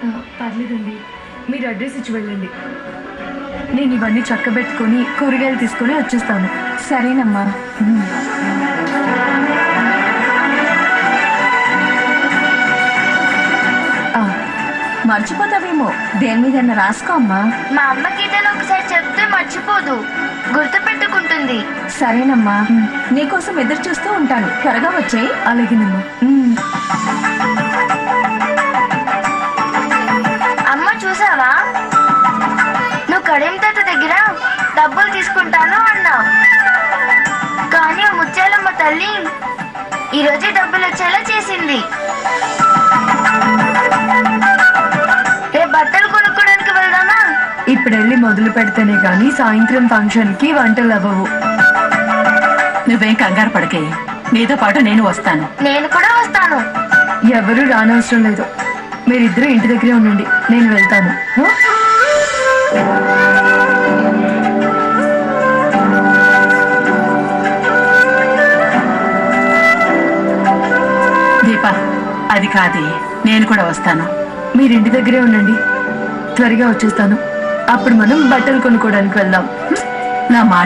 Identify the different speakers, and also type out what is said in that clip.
Speaker 1: పర్లేదండి, మీరు అడ్రస్ ఇచ్చి వెళ్ళండి. నేను ఇవన్నీ చక్కబెట్టుకొని కూరగాయలు తీసుకొని వచ్చేస్తాను.
Speaker 2: సరేనమ్మా. మర్చిపోతావేమో, దేని మీద రాసుకో అమ్మా.
Speaker 3: మా అమ్మకి ఏదైనా ఒకసారి చెప్తే మర్చిపోదు, గుర్తు పెట్టుకుంటుంది.
Speaker 2: సరేనమ్మా, నీకోసం ఎదురు చూస్తూ ఉంటాను, త్వరగా వచ్చేయి.
Speaker 1: అలాగేనమ్మా.
Speaker 3: అమ్మ చూసావా, నువ్వు కరీం తాత దగ్గర డబ్బులు తీసుకుంటాను అన్నావు, కానీ ఆ ముత్యాలమ్మ తల్లి ఈరోజే డబ్బులు వచ్చేలా చేసింది. రేపు బట్టలు కొనుక్కోడానికి వెళ్దామా?
Speaker 1: ఇప్పుడు వెళ్ళి మొదలు పెడితేనే కానీ సాయంత్రం ఫంక్షన్ కి వంటలు అవ్వవు.
Speaker 4: నువ్వేం కంగారు పడకే, నీతో పాటు నేను వస్తాను.
Speaker 3: నేను కూడా వస్తాను.
Speaker 1: ఎవరు రానవసరం లేదు, మీరిద్దరూ ఇంటి దగ్గరే ఉండండి, నేను వెళ్తాను.
Speaker 4: దీపా, అది కాదే, నేను కూడా వస్తాను.
Speaker 1: మీరు ఇంటి దగ్గరే ఉండండి, త్వరగా వచ్చేస్తాను. అప్పుడు మనం బట్టలు కొనుక్కోవడానికి వెళ్దాం.
Speaker 4: నా మాట